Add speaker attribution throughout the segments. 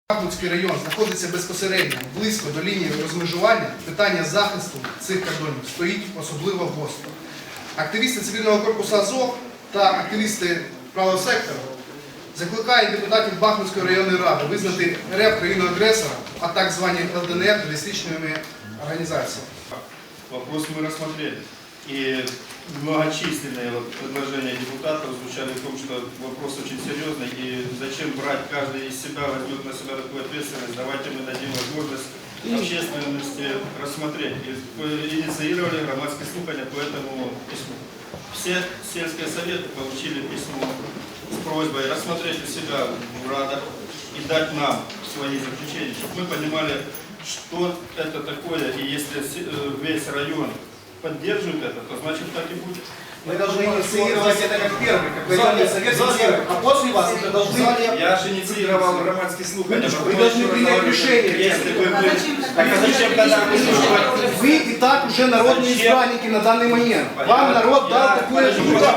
Speaker 1: Бахмутський район знаходиться безпосередньо близько до лінії розмежування, питання захисту цих кордонів стоїть особливо гостро. Активісти цивільного корпусу Азов та активісти правого сектору закликають депутатів Бахмутської районної ради визнати РФ країну-агресора, а так звані ЛДНР терористичними організаціями.
Speaker 2: Вопрос мы рассмотрели. И многочисленные предложения депутатов звучали в том, что вопрос очень серьезный, и зачем брать, каждый из себя возьмет на себя такую ответственность, давайте мы дадим возможность общественности рассмотреть. И инициировали громадские слухания по этому письму. Все сельские советы получили письмо с просьбой рассмотреть у себя в радах и дать нам свои заключения, чтобы мы понимали, что это такое, и если весь район поддерживает это, то значит так и будет.
Speaker 3: Мы должны инициировать это как первый, как районный совет, а после вас это должны...
Speaker 2: Я же инициировал громадские слухания.
Speaker 3: Вы должны принять решение.
Speaker 2: Если бы вы... Так а зачем тогда
Speaker 3: Вы и так уже народные избранники на данный момент. Вам народ дал такое...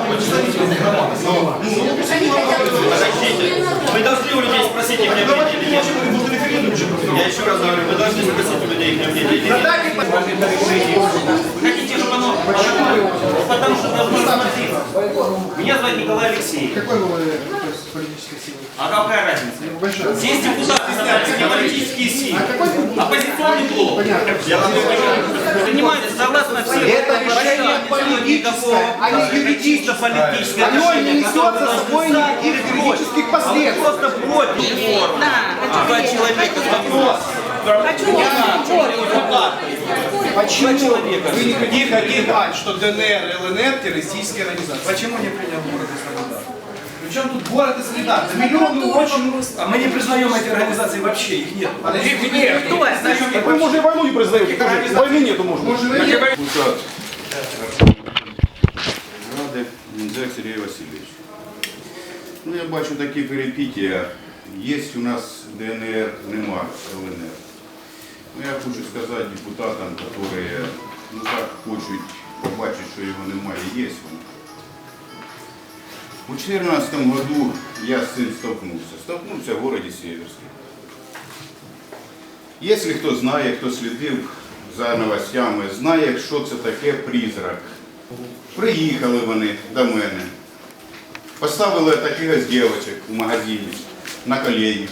Speaker 2: Подождите. Вы должны у людей спросить их мнение или нет? Я еще раз говорю, вы должны спросить у людей их мнение или нет?
Speaker 4: Хотите, чтобы оно... Потому что должно спросить. Меня зовут Николай Алексеевич.
Speaker 1: Какой вы политической силы?
Speaker 4: А какая разница? Здесь депутаты собрались, не политические силы. Оппозиционный блок. Понимаете, согласно всем...
Speaker 3: Это решение политическое, а не юридическое. Оно не несет за собой никаких юридических последствий.
Speaker 4: Просто против формы. Два человека вопрос.
Speaker 3: Почему вы не хотите понимать, что ДНР и ЛНР террористические организации?
Speaker 5: Почему не принял город и Солидар?
Speaker 3: Причем тут город и Солидар? За миллионы очень...
Speaker 5: А мы не признаем эти организации вообще, их нет.
Speaker 3: Их нет.
Speaker 6: Так вы, может, и войну не признаете, тоже войны нету, может.
Speaker 7: Депутат Ради Міндзяк Сергій Васильович. Ну, я бачу такі перипетії. Є у нас ДНР, нема ЛНР. Ну, я хочу сказати депутатам, які так хочуть побачити, що його немає, є воно. У 2014 году я з цим столкнувся в городі Сєверській. Якщо хто знає, хто слідив за новостями, знає, що це таке призрак. Приїхали вони до мене, поставили таких ось дівчат у магазині на колені,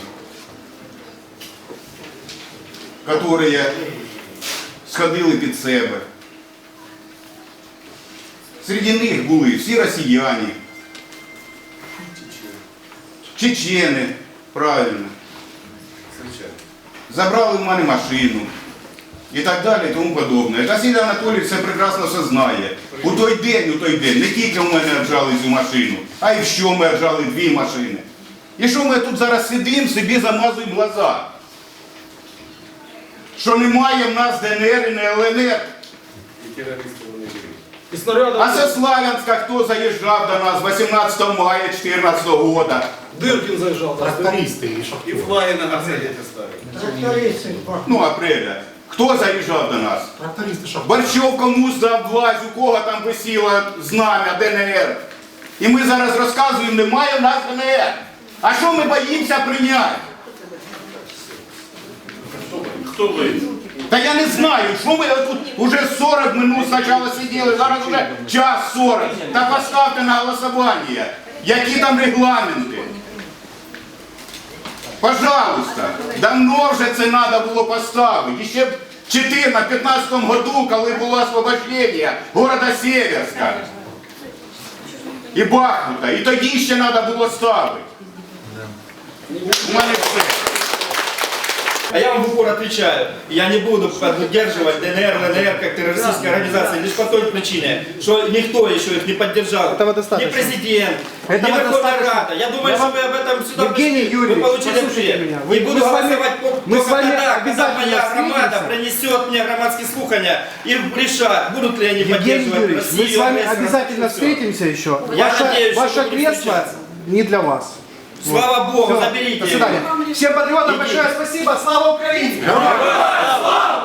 Speaker 7: які сходили під себе. Серед них були всі росіяни, чечени, правильно. Забрали в мене машину і так далі і тому подобне. Василь Анатолійович все прекрасно все знає. У той день не тільки в мене віджали цю машину, а й що ми віджали 2 машини. І що ми тут зараз сидимо, собі замазуємо глаза? Що немає в нас ДНР і не ЛНР. А со Славянська хто заїжджав до нас 18 мая 2014 року?
Speaker 5: Дыркин заезжал.
Speaker 3: И флаги на горсете ставят.
Speaker 7: Ну, апреля. Хто заїжджав до нас? Борщов комусь дав власть, у кого там висіло знам'я ДНР. І ми зараз розказуємо, немає в нас ДНР. А що ми боїмося прийняти?
Speaker 2: Кто боится?
Speaker 7: Та я не знаю, що ми тут уже 40 минут спочатку сиділи, зараз вже час 40. Та поставте на голосування, які там регламенти. Пожалуйста, давно вже це треба було поставити. Ще в 2015 году, коли було освобождення города Сєверська і Бахмута, і тоді ще треба було ставити. У мене все.
Speaker 2: А я вам в упор отвечаю, я не буду поддерживать ДНР, ЛНР как террористические организации лишь по той причине, что никто еще их не поддержал. Ни президент, ни Верховная Рада. Я думаю, что вы об этом сюда пришли, вы получили ответ. И буду голосовать только тогда, когда моя громада принесет мне громадские слухания и решат, будут ли они поддерживать Россию.
Speaker 1: Мы с вами обязательно встретимся еще. Ваше кресло не для вас.
Speaker 2: Слава Богу,
Speaker 1: Все.
Speaker 2: заберите
Speaker 1: До свидания. Всем патриотам большое спасибо. Слава Украине!